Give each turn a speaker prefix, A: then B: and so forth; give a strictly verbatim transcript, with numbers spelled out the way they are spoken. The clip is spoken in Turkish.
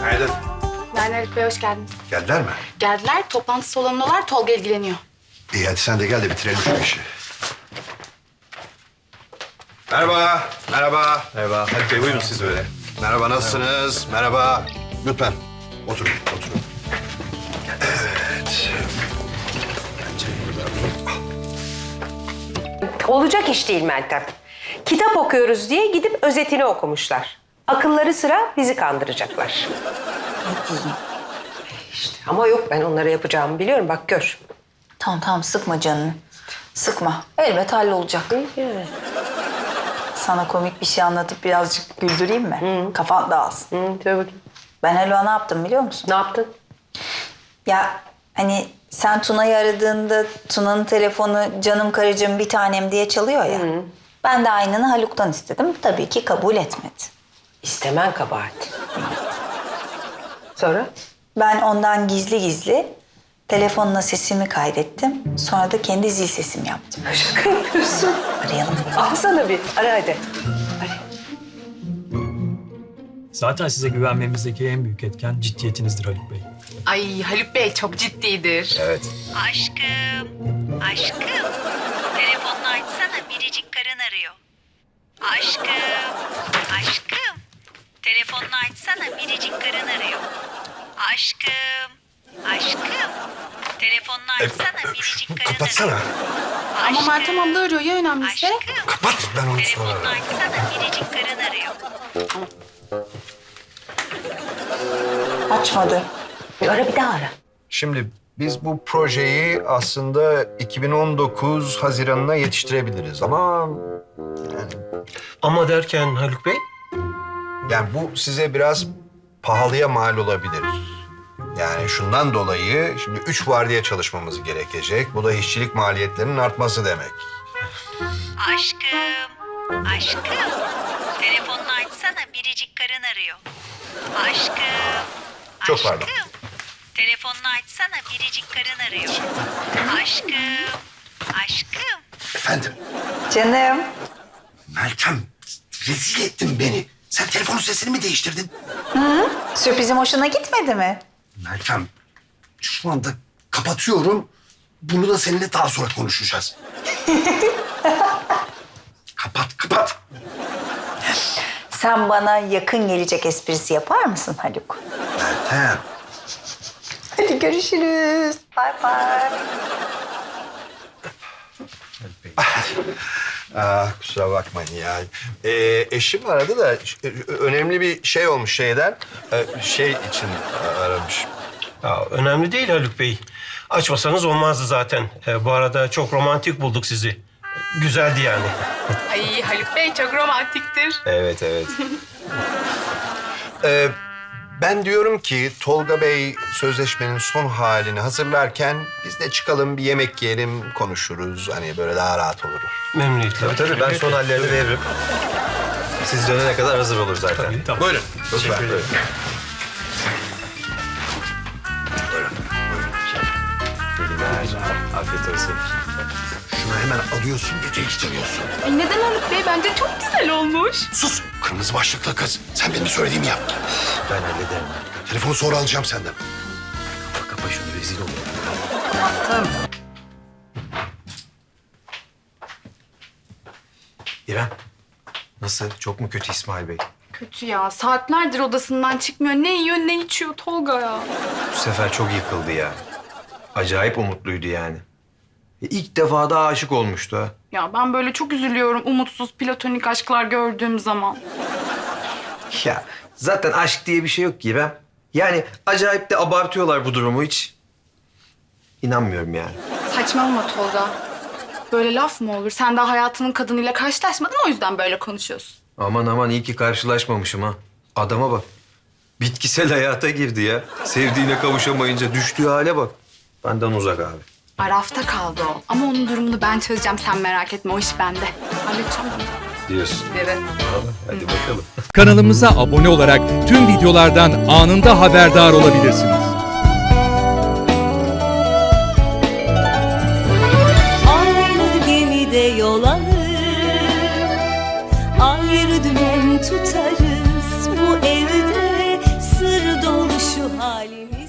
A: Günaydın.
B: Günaydın Haluk Bey, hoş geldiniz.
A: Geldiler mi?
B: Geldiler, toplantı salonundalar, Tolga ilgileniyor.
A: İyi hadi sen de gel de bitirelim şu işi. Merhaba, merhaba.
C: Merhaba. Haluk Bey buyurun siz böyle.
A: Merhaba, nasılsınız? Merhaba. Lütfen oturun, oturun. Evet.
D: Olacak iş değil Meltem. Kitap okuyoruz diye gidip özetini okumuşlar. Akılları sıra bizi kandıracaklar. İşte ama yok, ben onlara yapacağımı biliyorum, bak gör.
E: Tamam tamam sıkma canını. Sıkma. Elbet hallolacak.
D: Evet.
E: Sana komik bir şey anlatıp birazcık güldüreyim mi?
D: Hı.
E: Kafan dağılsın.
D: Hı, söyle bakayım.
E: Ben Haluk'a ne yaptım biliyor musun?
D: Ne yaptın?
E: Ya hani sen Tuna'yı aradığında Tuna'nın telefonu canım karıcığım bir tanem diye çalıyor ya.
D: Hı.
E: Ben de aynını Haluk'tan istedim. Tabii ki kabul etmedi.
D: İstemen kabahat. Sonra?
E: Ben ondan gizli gizli telefonla sesimi kaydettim. Sonra da kendi zil sesimi yaptım.
D: Şaka yapıyorsun.
E: Arayalım.
D: Al sana bir. Ara hadi. Ara.
F: Zaten size güvenmemizdeki en büyük etken ciddiyetinizdir Haluk Bey.
B: Ay Haluk Bey çok ciddidir.
A: Evet.
G: Aşkım, aşkım. Telefonunu açsana, biricik karın arıyor. Aşkım, aşkım. Telefonunu açsana, biricik karın arıyor. Aşkım, aşkım. Telefonunu açsana, biricik karın arıyor.
A: Kapatsana.
B: Ama Meltem abla arıyor ya önemlisi.
G: Aşkım,
A: Kapat, ben onu sonra
G: telefonunu
A: ararım.
G: açsana, biricik karın arıyor.
E: Açmadı.
D: Bir ara bir daha ara.
A: Şimdi biz bu projeyi aslında iki bin on dokuz Haziran'ına yetiştirebiliriz ama... Yani,
C: Ama derken Haluk Bey?
A: yani bu size biraz pahalıya mal olabilir. Yani şundan dolayı şimdi üç vardiya çalışmamız gerekecek. Bu da işçilik maliyetlerinin artması demek.
G: Aşkım, aşkım. Telefonunu açsana, biricik karın arıyor. Aşkım,
A: Çok
G: aşkım.
A: pardon.
G: Telefonunu açsana, biricik karın arıyor. Aşkım, aşkım.
A: Efendim?
E: Canım.
A: Meltem, rezil ettin beni. Sen telefonun sesini mi değiştirdin?
E: Sürprizim hoşuna gitmedi mi?
A: Meltem, şu anda kapatıyorum. Bunu da seninle daha sonra konuşacağız. Kapat, kapat.
E: Sen bana yakın gelecek esprisi yapar mısın Haluk?
A: Meltem.
E: Hadi görüşürüz. Bay bay.
A: Aa, kusura bakmayın ya. Ee, eşim aradı da e, önemli bir şey olmuş şeyden. Ee, şey için aramış.
C: Ya, önemli değil Haluk Bey. Açmasanız olmazdı zaten. Ee, bu arada çok romantik bulduk sizi. Güzeldi yani.
B: Ay Haluk Bey çok romantiktir.
A: Evet, evet. ee, ben diyorum ki Tolga Bey sözleşmenin son halini hazırlarken biz de çıkalım bir yemek yiyelim, konuşuruz. Hani böyle daha rahat olur.
C: Memnuniyetle.
H: Tabii tabii ben son hallerini veririm. Siz dönene kadar hazır olur zaten.
F: Tabii, tamam.
A: Buyurun. Lütfen.
F: ederim.
A: Buyurun. Buyurun.
H: Afiyet olsun.
A: Şunu hemen alıyorsun, geçiştiriyorsun.
B: Ay neden Haluk Bey? Bence çok güzel olmuş.
A: Sus! Kırmızı başlıklı kız. Sen benim söylediğimi yap.
H: Ben hallederim.
A: Telefonu sonra alacağım senden.
H: Kapa, kapa şunu rezil olur. İrem, nasıl? Çok mu kötü İsmail Bey?
B: Kötü ya. Saatlerdir odasından çıkmıyor. Ne yiyor ne içiyor Tolga ya.
H: Bu sefer çok yıkıldı ya. Acayip umutluydu yani. E, İlk defa da aşık olmuştu ha.
B: Ya ben böyle çok üzülüyorum umutsuz platonik aşklar gördüğüm zaman.
H: Ya zaten aşk diye bir şey yok ki İrem. Yani acayip de abartıyorlar bu durumu hiç. İnanmıyorum yani.
B: Saçmalama Tolga. Böyle laf mı olur? Sen daha hayatının kadınıyla karşılaşmadın o yüzden böyle konuşuyorsun.
H: Aman aman iyi ki karşılaşmamışım ha. Adama bak. Bitkisel hayata girdi ya. Sevdiğine kavuşamayınca düştüğü hale bak. Benden uzak abi.
B: Arafta kaldı o. Ama onun durumunu ben çözeceğim. Sen merak etme. O iş bende. Halledeceğim onu.
H: Diyorsun.
B: Evet.
H: Hadi bakalım.
I: Kanalımıza abone olarak tüm videolardan anında haberdar olabilirsiniz.
J: Aynı gemide yol alır, ayrı dümen tutarız. Bu evde sır dolu halimiz